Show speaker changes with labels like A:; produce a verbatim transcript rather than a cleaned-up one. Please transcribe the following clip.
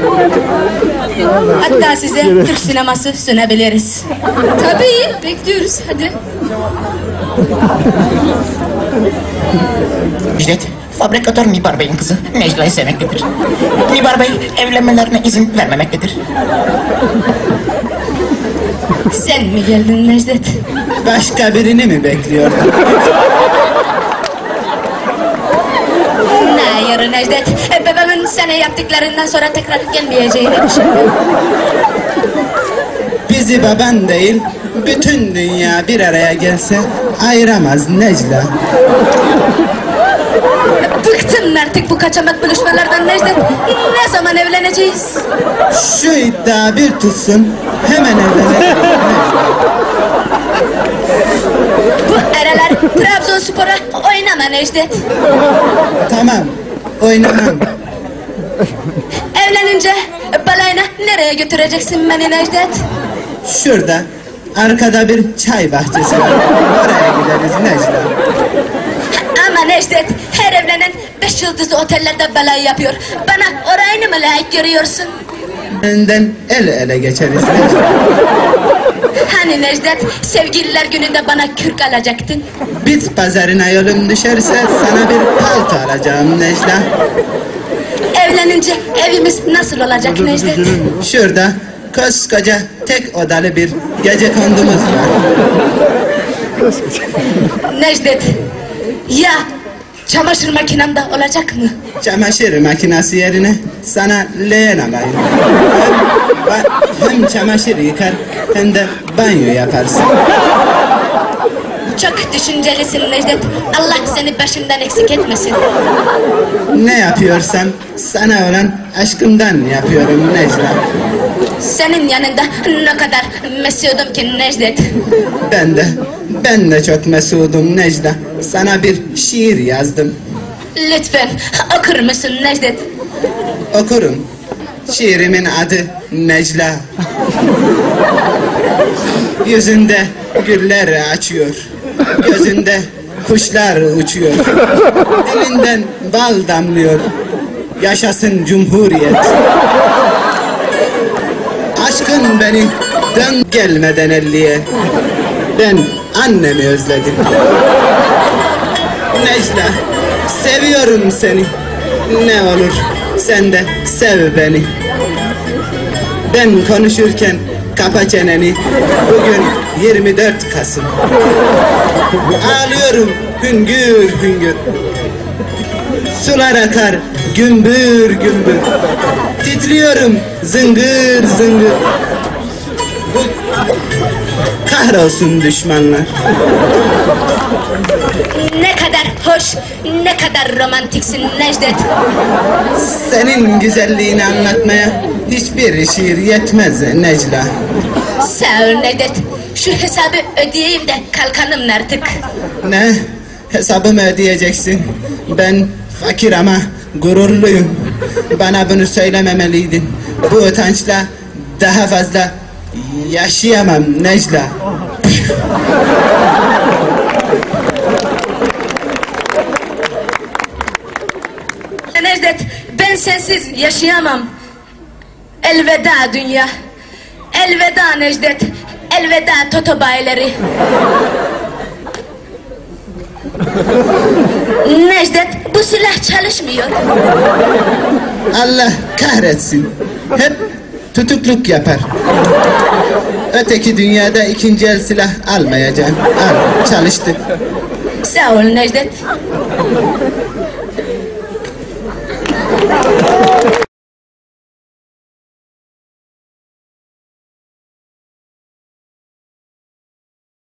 A: Hatta size Türk sineması sunabiliriz.
B: Tabii, bekliyoruz. Hadi.
C: Müjdat, fabrikatör Nibar Bey'in kızı Necla'yı sevmektedir. Nibar Bey evlenmelerine izin vermemektedir.
A: Sen mi geldin Necdet?
D: Başka birini mi bekliyordun?
A: Hayır Necdet, babamın sana yaptıklarından sonra tekrar gelmeyeceğini düşündüm.
D: Bizi baban değil, bütün dünya bir araya gelse ayıramaz Necla.
A: Bıktım artık bu kaçamak buluşmalardan Necdet. Ne zaman evleneceğiz?
D: Şu iddia bir tutsun, hemen evlenelim.
A: Bu aralar Trabzonspor'a oynama Necdet.
D: Tamam, oynamam.
A: Evlenince balayına nereye götüreceksin beni Necdet?
D: Şurada, arkada bir çay bahçesi var. Oraya gideriz Necla.
A: Ama Necdet, her evlenen beş yıldızlı otellerde balayı yapıyor. Bana orayını mı layık görüyorsun?
D: Önden el ele geçeriz Necla.
A: Hani Necdet, sevgililer gününde bana kürk alacaktın?
D: Bit pazarına yolun düşerse sana bir palto alacağım Necla.
A: Evlenince evimiz nasıl olacak Necdet?
D: Şurada koskoca tek odalı bir gecekondumuz var.
A: Necdet, ya çamaşır makinem de olacak mı?
D: Çamaşır makinesi yerine sana leğen alayım. Hem, hem çamaşır yıkar hem de banyo yaparsın.
A: Çok düşüncelisin Necdet. Allah seni başımdan eksik etmesin.
D: Ne yapıyorsam sana olan aşkımdan yapıyorum Necla.
A: Senin yanında ne kadar mesudum ki Necdet.
D: Ben de, ben de çok mesudum Necla. Sana bir şiir yazdım.
A: Lütfen okur musun Necdet?
D: Okurum. Şiirimin adı Necla. Yüzünde güller açıyor. Gözünde kuşlar uçuyor. Dilinden bal damlıyor. Yaşasın Cumhuriyet. Aşkın beni dön gelmeden elliye. Ben annemi özledim. Necla, seviyorum seni. Ne olur sen de sev beni. Ben konuşurken kapa çeneni. Bugün yirmi dört Kasım. Ağlıyorum hüngür hüngür. Sular akar gümbür gümbür. Titriyorum zıngır zıngır. Bu kahrolsun düşmanlar.
A: Ne kadar hoş, ne kadar romantiksin Necdet.
D: Senin güzelliğini anlatmaya hiçbir şiir yetmez Necla.
A: Sağ ol Necdet. Şu hesabı ödeyeyim de kalkalım artık.
D: Ne? Hesabımı ödeyeceksin. Ben fakir ama gururluyum. Bana bunu söylememeliydin. Bu utançla daha fazla yaşayamam Necla.
A: Necdet, ben sensiz yaşayamam. Elveda dünya. Elveda Necdet. Elveda Toto bayileri. Necdet, bu silah çalışmıyor.
D: Allah kahretsin. Hep tutukluk yapar. Öteki dünyada ikinci el silah almayacağım. Al, çalıştı.
A: Sağ ol Necdet.